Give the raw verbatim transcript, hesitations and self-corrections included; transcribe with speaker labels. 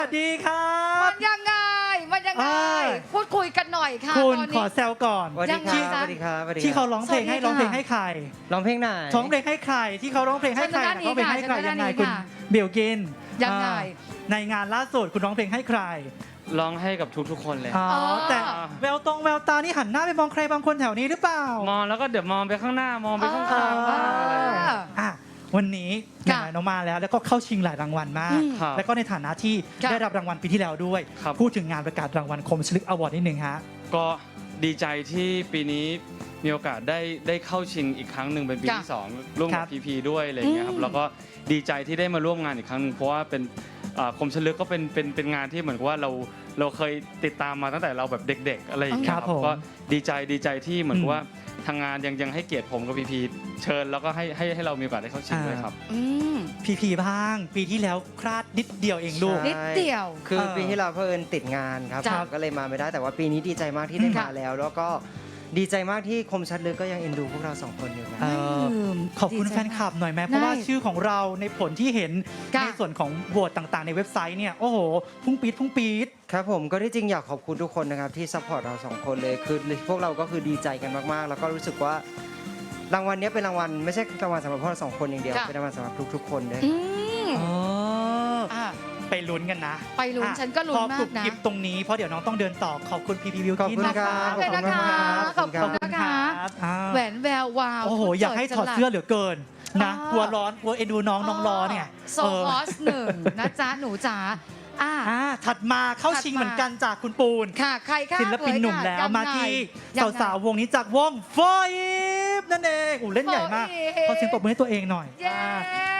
Speaker 1: สวัสดีครับ
Speaker 2: มันยังไงมันยังไง
Speaker 1: อ่า
Speaker 2: พูดคุยกันหน่อยค่ะ
Speaker 1: คุณ
Speaker 2: ตอน
Speaker 1: ขอ
Speaker 2: นี้
Speaker 1: แซวก่อน
Speaker 3: สวัสดี
Speaker 2: ยังไง
Speaker 3: ครับ
Speaker 2: จ๊ะ
Speaker 3: สวัสดีครับสวัสดี
Speaker 1: ที่เขา
Speaker 3: ครับ
Speaker 1: ร้องเพลงให้
Speaker 2: สวัสดีค่ะ
Speaker 1: ร้องเพลงให้ใคร
Speaker 3: ร้องเพลงไหน
Speaker 1: ร้องเพลงให้ใครที่เขาร้องเพลงให้ใคร
Speaker 2: เชิญทางด้านนี้
Speaker 1: ร้องเพลงให้ใคร
Speaker 2: ค่ะ
Speaker 1: ยังไง
Speaker 2: เชิญ
Speaker 1: คุณ
Speaker 2: ทางด้านนี้ค่ะ
Speaker 1: เบลกิน
Speaker 2: ยังไง
Speaker 1: อ่าในงานล่าสุดคุณร้องเพลงให้ใคร
Speaker 4: ร้องให้กับทุกๆคนเลย
Speaker 1: อ๋อ
Speaker 2: อ๋อ
Speaker 1: แต่แววตรงแววตานี่หันหน้าไปมองใครบางคนแถวนี้หรือเปล่าม
Speaker 4: องแล้วก็เดี๋ยวมองไปข้างหน้ามองไปข้าง
Speaker 1: เอ
Speaker 4: ๆ
Speaker 1: อ
Speaker 4: บ้างอะไรอย่างเงี้ย
Speaker 1: อ่ะวันนี้
Speaker 2: ค่ะ
Speaker 1: ไหนๆน้องมาแล้ว แล้วก็เข้าชิงหลายรางวัลมาก
Speaker 2: อืม
Speaker 4: ครับ
Speaker 1: แล้วก็ในฐานะที่
Speaker 2: ค่ะ
Speaker 1: ได้รับรางวัลปีที่แล้วด้วย
Speaker 4: ครับ
Speaker 1: พูดถึงงานประกาศรางวัลคมชลึกอวอร์ดนิดนึงฮะ
Speaker 4: ก็ดีใจที่ปีนี้มีโอกาสได้ได้เข้าชิงอีกครั้งหนึ่งเป็นปี
Speaker 2: ค่ะ
Speaker 4: ที่สองร่วม
Speaker 1: ครั
Speaker 4: กับบ พีพีด้วยอะไรอย่างเงี้ยครับ
Speaker 2: อืม
Speaker 4: แล้วก็ดีใจที่ได้มาร่วมงานอีกครั้งหนึ่งเพราะว่าเป็นอ่าคมชลึกก็เป็นเป็นเป็นงานที่เหมือนกับว่าเราเราเคยติดตามมาตั้งแต่เราแบบเด็ก ๆ อะไรอย่างเงี้ย
Speaker 1: ครับผม
Speaker 4: ก็ดีใจดีใจที่เหมือนกับ
Speaker 1: อืม
Speaker 4: ว่าทางงานยังยังให้เกียรติผมกับพีพีเชิญแล้วก็ให้ให้ให้เรามีโอกาสได้เข้าชิงด้วยครับ
Speaker 2: อืม
Speaker 1: พีพีบ้าง ปีที่แล้วคลาดนิดเดียวเองลูก
Speaker 3: ใช่
Speaker 2: นิดเดียว
Speaker 3: คือ
Speaker 1: เออ
Speaker 3: ปีที่เราเพิ่นติดงานครับ
Speaker 2: จ้ะ
Speaker 3: ผมก็เลยมาไม่ได้แต่ว่าปีนี้ดีใจมากที่ได้
Speaker 2: ค่ะ
Speaker 3: มาแล้ว แล้วก็ดีใจมากที่คมชัดลึกก็ยังเอ็นดูพวกเราสองคนอยู่นะ
Speaker 1: เออ
Speaker 2: ลืม
Speaker 1: ขอบคุณ
Speaker 2: ดีใจ
Speaker 1: แฟนคลับหน่อยไหมเพราะว่า
Speaker 2: ได้
Speaker 1: ชื่อของเราในผลที่เห็น
Speaker 2: ค่ะ
Speaker 1: ในส่วนของโหวตต่างๆ ในเว็บไซต์เนี่ย โอ้โห พุ่งปี๊ดพุ่งปี๊ด
Speaker 3: ครับผมก็ที่จริงอยากขอบคุณทุกคนนะครับที่ซัพพอร์ตเราสองคนเลยคือพวกเราก็คือดีใจกันมากๆ แล้วก็รู้สึกว่ารางวัลเนี้ยเป็นรางวัลไม่ใช่รางวัลสำหรับพวกเราสองคนอย่างเดียว
Speaker 2: ค่ะ
Speaker 3: เป็นรางวัลสำหรับทุกๆคนด้วย
Speaker 2: อืม
Speaker 1: อ๋อ
Speaker 2: อ่ะ
Speaker 1: ไปลุ้นกันนะ
Speaker 2: ไปลุ้น
Speaker 1: อ่ะ
Speaker 2: ฉันก็ลุ้น
Speaker 1: พอ
Speaker 2: มาก
Speaker 1: กรุบ
Speaker 2: นะ
Speaker 1: กริบตรงนี้เพราะเดี๋ยวน้องต้องเดินต่อขอบคุณพีพีวิว
Speaker 3: ขอบ
Speaker 1: กิน
Speaker 3: คุณ
Speaker 1: นะ
Speaker 3: ค
Speaker 1: ค
Speaker 3: รั
Speaker 1: รั
Speaker 3: บบ
Speaker 2: เลยนะคะ
Speaker 3: ขอบคุณ
Speaker 2: ขอบคุณ
Speaker 3: ครับ
Speaker 2: นะคะ
Speaker 1: อ่า
Speaker 2: แหวนแวววาว
Speaker 1: โอ้โห อยากให้ถอดเสื้อเหลือเกินนะ
Speaker 2: อ่าก
Speaker 1: ลัวร้อนกลัวเอ็นดูน้องน้องร้อนเนี่ย
Speaker 2: โซ
Speaker 1: เออ
Speaker 2: ฮอสหนึ่งนะจ๊ะ หนูจ๋าอ่ะ
Speaker 1: อ่าถัดมาเข้า
Speaker 2: ถัด
Speaker 1: ชิง
Speaker 2: มา
Speaker 1: เหมือนกันจากคุณปูน
Speaker 2: ค่ะ ใครค่ะ
Speaker 1: ศิลปินหนุ่ม
Speaker 2: เผย
Speaker 1: แล้ว
Speaker 2: ค่ะ
Speaker 1: มา
Speaker 2: ยังไง
Speaker 1: ที่
Speaker 2: ยังไง
Speaker 1: สาวๆวงนี้จากวงโฟอีฟนั่นเองอู้เล่นใหญ่มาก
Speaker 2: โฟอีฟ
Speaker 1: ขอเสียงปรบมือให้ตัวเองหน่อย
Speaker 2: เย้
Speaker 1: อ่า